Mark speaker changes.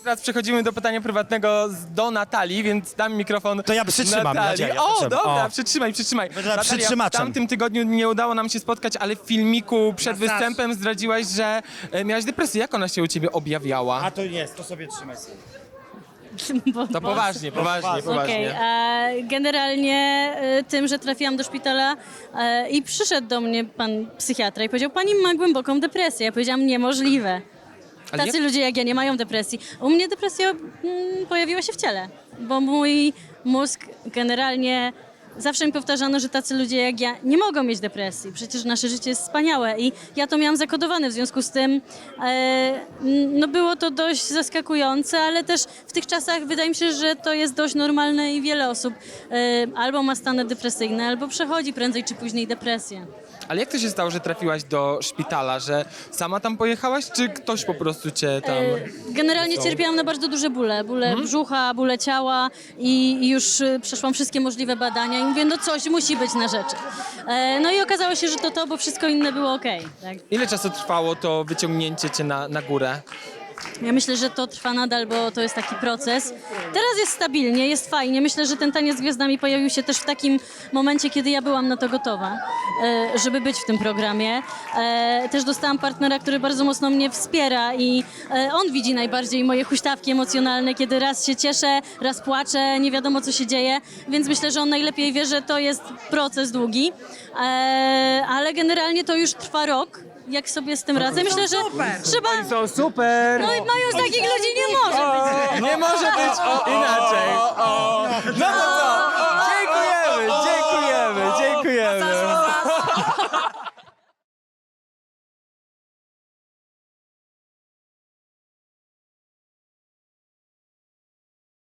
Speaker 1: Teraz przechodzimy do pytania prywatnego do Natalii, więc dam mikrofon.
Speaker 2: To ja przytrzymam,
Speaker 1: Natalii.
Speaker 2: Nadzieja,
Speaker 1: O,
Speaker 2: proszę.
Speaker 1: dobra,
Speaker 2: O.
Speaker 1: przytrzymaj.
Speaker 2: Będę
Speaker 1: Natalia, w
Speaker 2: przytrzymaczem.
Speaker 1: tamtym tygodniu nie udało nam się spotkać, ale w filmiku przed
Speaker 2: Masaż.
Speaker 1: występem zdradziłaś, że miałaś depresję. Jak ona się u ciebie objawiała?
Speaker 2: A to jest, to sobie trzymaj sobie.
Speaker 1: To poważnie.
Speaker 3: Okej, generalnie tym, że trafiłam do szpitala i przyszedł do mnie pan psychiatra i powiedział, pani ma głęboką depresję. Ja powiedziałam, niemożliwe.
Speaker 1: Ale
Speaker 3: Tacy ludzie jak ja nie mają depresji. U mnie depresja pojawiła się w ciele, bo mój mózg generalnie zawsze mi powtarzano, że tacy ludzie jak ja nie mogą mieć depresji. Przecież nasze życie jest wspaniałe i ja to miałam zakodowane, w związku z tym no było to dość zaskakujące, ale też w tych czasach wydaje mi się, że to jest dość normalne i wiele osób albo ma stany depresyjne, albo przechodzi prędzej czy później depresję.
Speaker 1: Ale jak to się stało, że trafiłaś do szpitala? Że sama tam pojechałaś, czy ktoś po prostu cię tam...
Speaker 3: Generalnie cierpiałam na bardzo duże bóle brzucha, bóle ciała i już przeszłam wszystkie możliwe badania i mówię, no coś musi być na rzeczy. No i okazało się, że to, bo wszystko inne było okej. Tak?
Speaker 1: Ile czasu trwało to wyciągnięcie cię na górę?
Speaker 3: Ja myślę, że to trwa nadal, bo to jest taki proces. Teraz jest stabilnie, jest fajnie. Myślę, że ten taniec z gwiazdami pojawił się też w takim momencie, kiedy ja byłam na to gotowa, żeby być w tym programie. Też dostałam partnera, który bardzo mocno mnie wspiera i on widzi najbardziej moje huśtawki emocjonalne, kiedy raz się cieszę, raz płaczę, nie wiadomo co się dzieje, więc myślę, że on najlepiej wie, że to jest proces długi. Ale generalnie to już trwa rok. Jak sobie z tym radzę? Myślę, że trzeba...
Speaker 1: To super!
Speaker 3: No już takich ludzi nie może być.
Speaker 1: Nie może być inaczej. No to co? Dziękujemy!